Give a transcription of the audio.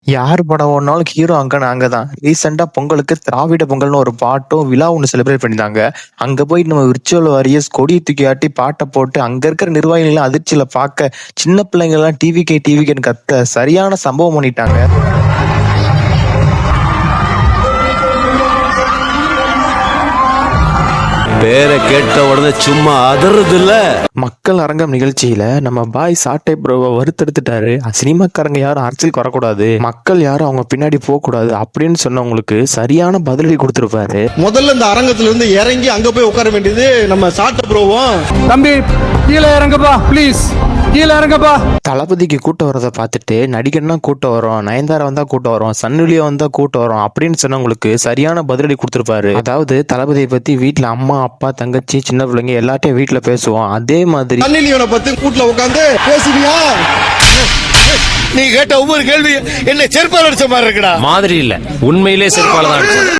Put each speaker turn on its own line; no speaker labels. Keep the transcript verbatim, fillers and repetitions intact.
யார் படம் ஓடுனாலும் ஹீரோ அங்க நாங்க தான். ரீசெண்டா பொங்கலுக்கு திராவிட பொங்கல்னு ஒரு பாட்டும் விழா ஒண்ணு செலிப்ரேட் பண்ணியிருந்தாங்க. அங்க போயிட்டு நம்ம விர்ச்சுவல் வாரியர்ஸ் கொடிய தூக்கி ஆட்டி பாட்ட போட்டு அங்க இருக்கிற நிர்வாகிகள் எல்லாம் அதிர்ச்சியில பார்க்க சின்ன பிள்ளைங்க எல்லாம் டிவிகே டிவிகேன்னு கத்த சரியான சம்பவம் பண்ணிட்டாங்க.
பேரை கேட்ட உடனே சும்மா அதறது இல்ல.
மக்கள் அரங்கம் நிகழ்ச்சியில நம்ம பாய் சாட்டை ப்ரோவை வறுத்தெடுத்துட்டாரு. சினிமாக்காரங்க யாரும் அரசியலுக்கு வரக்கூடாது, மக்கள் யாரும் அவங்க பின்னாடி போக கூடாது அப்படின்னு சொன்னவங்களுக்கு சரியான பதிலடி கொடுத்திருப்பாரு.
முதல்ல இந்த அரங்கத்துல இருந்து இறங்கி அங்க போய் உட்கார வேண்டியது நம்ம சாட்டை ப்ரோவும்.
தம்பி கீழே இறங்கப்பா ப்ளீஸ், கீழே இறங்கப்பா.
தளபதிக்கு கூட்டம் வரதை பார்த்துட்டு நடிகர்னா கூட்டம் வரும், நயன்தாரா வந்தா கூட்டம் வரும், சன்னுலியா வந்தா கூட்டம் வரும் அப்படின்னு சொன்னவங்களுக்கு சரியான பதிலடி கொடுத்திருப்பாரு. அதாவது தளபதியை பத்தி வீட்டுல அம்மா அப்பா தங்கச்சி சின்ன பிள்ளைங்க எல்லாத்தையும் வீட்டுல பேசுவோம், அதே மாதிரி
சன்னிலியோனை பத்தி கூட்டுல உட்காந்து பேசுவியா?
நீ கேட்ட ஒவ்வொரு கேள்வி என்ன செருப்பால் அடிச்ச மாதிரி இருக்குடா.
மாதிரி இல்ல, உண்மையிலே செருப்பால தான் அடிச்சேன்.